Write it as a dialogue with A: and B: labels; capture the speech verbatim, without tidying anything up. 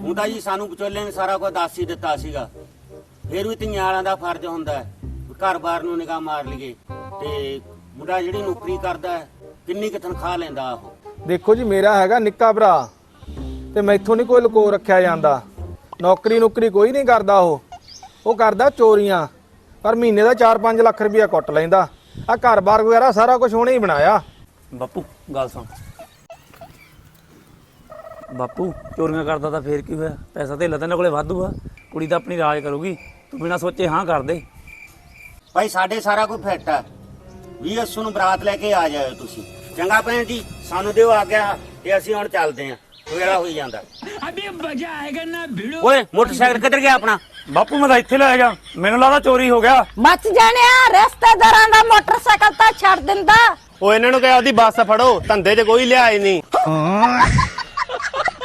A: ਹੁਣ ਤਾਂ ਜੀ ਸਾਨੂੰ ਵਿਚੋਲੇ ਨੇ ਸਾਰਾ ਕੁਝ ਦੱਸ ਹੀ ਦਿੱਤਾ ਸੀਗਾ। ਫਿਰ ਵੀ ਧੀਆਂ ਵਾਲਿਆਂ ਦਾ ਫਰਜ਼ ਹੁੰਦਾ ਘਰ-ਬਾਰ ਨੂੰ ਨਿਗਾਹ ਮਾਰ ਲਈਏ। ਤੇ ਮੁੰਡਾ ਜਿਹੜੀ ਨੌਕਰੀ ਕਰਦਾ ਹੈ ਕਿੰਨੀ ਕੁ ਤਨਖਾਹ ਲੈਂਦਾ ਉਹ?
B: ਦੇਖੋ ਜੀ ਮੇਰਾ ਹੈਗਾ ਨਿੱਕਾ ਭਰਾ ਤੇ ਮੈਥੋਂ ਨਹੀਂ ਕੋਈ ਲੁਕੋ ਰੱਖਿਆ ਜਾਂਦਾ। ਨੌਕਰੀ ਨੌਕਰੀ ਕੋਈ ਨਹੀਂ ਕਰਦਾ। ਉਹ ਉਹ ਕਰਦਾ ਚੋਰੀਆਂ, ਪਰ ਮਹੀਨੇ ਦਾ ਚਾਰ ਪੰਜ ਲੱਖ ਰੁਪਇਆ ਕੁੱਟ ਲੈਂਦਾ। ਆ ਘਰ-ਬਾਰ ਵਗੈਰਾ ਸਾਰਾ ਕੁਝ ਉਹਨੇ ਹੀ ਬਣਾਇਆ।
C: ਬਾਪੂ ਗੱਲ ਸੁਣ, ਬਾਪੂ ਚੋਰੀਆਂ ਕਰਦਾ ਤਾਂ ਫੇਰ ਕੀ ਹੋਇਆ? ਪੈਸਾ ਧੇਲਾ ਤਾਂ ਇਹਨਾਂ ਕੋਲੇ ਵਾਧੂ ਆ। ਕੁੜੀ ਤਾਂ ਆਪਣੀ ਰਾਜ ਕਰੂਗੀ, ਤੂੰ ਬਿਨਾਂ ਸੋਚੇ ਹਾਂ ਕਰ ਦੇ।
A: ਭਾਈ ਸਾਡੇ ਸਾਰਾ ਕੁਝ ਫਿੱਟ ਆ। ਵੀਹ ਅੱਸੂ ਨੂੰ ਬਰਾਤ ਲੈ ਕੇ ਆ ਜਾਇਓ ਤੁਸੀਂ। ਚੰਗਾ ਭੈਣ ਜੀ, ਸਾਨੂੰ ਦਿਓ ਆ ਗਿਆ ਤੇ ਅਸੀਂ ਹੁਣ ਚੱਲਦੇ ਆਂ। ਵੇਲਾ ਹੋਈ ਜਾਂਦਾ।
D: ਅਬੇ ਮਜ਼ਾ ਆਏਗਾ ਨਾ ਭਿੜੋ।
A: ਓਏ ਮੋਟਰਸਾਈਕਲ ਕਿੱਧਰ ਗਿਆ ਆਪਣਾ?
C: ਬਾਪੂ ਮੈਂ ਤਾਂ ਇੱਥੇ ਲੈ ਜਾ, ਮੈਨੂੰ ਲੱਗਦਾ ਚੋਰੀ ਹੋ ਗਿਆ।
E: ਬਚ ਜਾਣਿਆ, ਰਿਸ਼ਤੇਦਾਰਾਂ ਦਾ ਮੋਟਰਸਾਈਕਲ ਤਾਂ ਛੱਡ ਦਿੰਦਾ।
F: ਉਹ ਇਹਨਾਂ ਨੂੰ ਕਿਹਾ ਉਹਦੀ ਬੱਸ ਫੜੋ, ਧੰਦੇ 'ਚ ਕੋਈ ਲਿਆਏ ਨਹੀਂ।